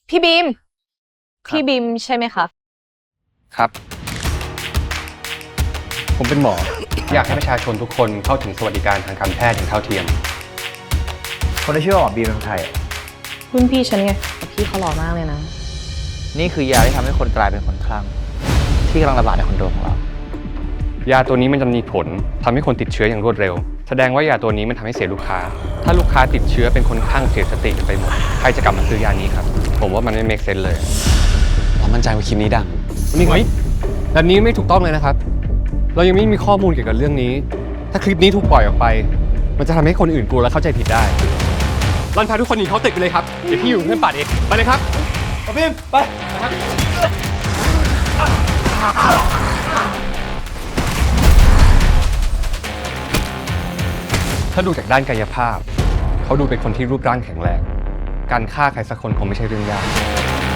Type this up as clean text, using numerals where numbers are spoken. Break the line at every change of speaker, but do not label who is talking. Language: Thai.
พี่บีม
ครับ
พี่บีมใช่ไหมคะ
ครับ ผมเป็นหมอ อยากให้ประชาชนทุกคนเข้าถึงสวัสดิการทางการแพทย์อย่างเท่าเทียม
คนที่ชื่อว่าหมอบีมเป็นใคร
รุ่นพี่ฉันไงแต่พี่เขาหล่อมากเลยนะ
นี่คือยาที่ทำให้คนกลายเป็นคนคลั่งที่กำลังระบาดในคอนโดของเรา
ยาตัวนี้มันจะมีผลทำให้คนติดเชื้ออย่างรวดเร็ว แสดงว่ายาตัวนี้มันทำให้เสียลูกค้า ถ้าลูกค้าติดเชื้อเป็นคนคลั่งเสียสติกันไปหมด ใครจะกลับมาซื้อยานี้ครับ ผมว่ามันไม่ make sense เลย
เรามั่นใจว่าคลิปนี้ดัง
นี่ไงแบบนี้ไม่ถูกต้องเลยนะครับ เรายังไม่มีข้อมูลเกี่ยวกับเรื่องนี้ ถ้าคลิปนี้ถูกปล่อยออกไป มันจะทำให้คนอื่นกลัวและเข้าใจผิดได้รันพาทุกคนหนีเขาตึกไปเลยครับ เดี๋ยวพี่อยู่เพื่อนป่าดเอง ไปเลยครับบีมไปถ้าดูจากด้านกายภาพ เขาดูเป็นคนที่รูปร่างแข็งแรง การฆ่าใครสักคนคงไม่ใช่เรื่องยาก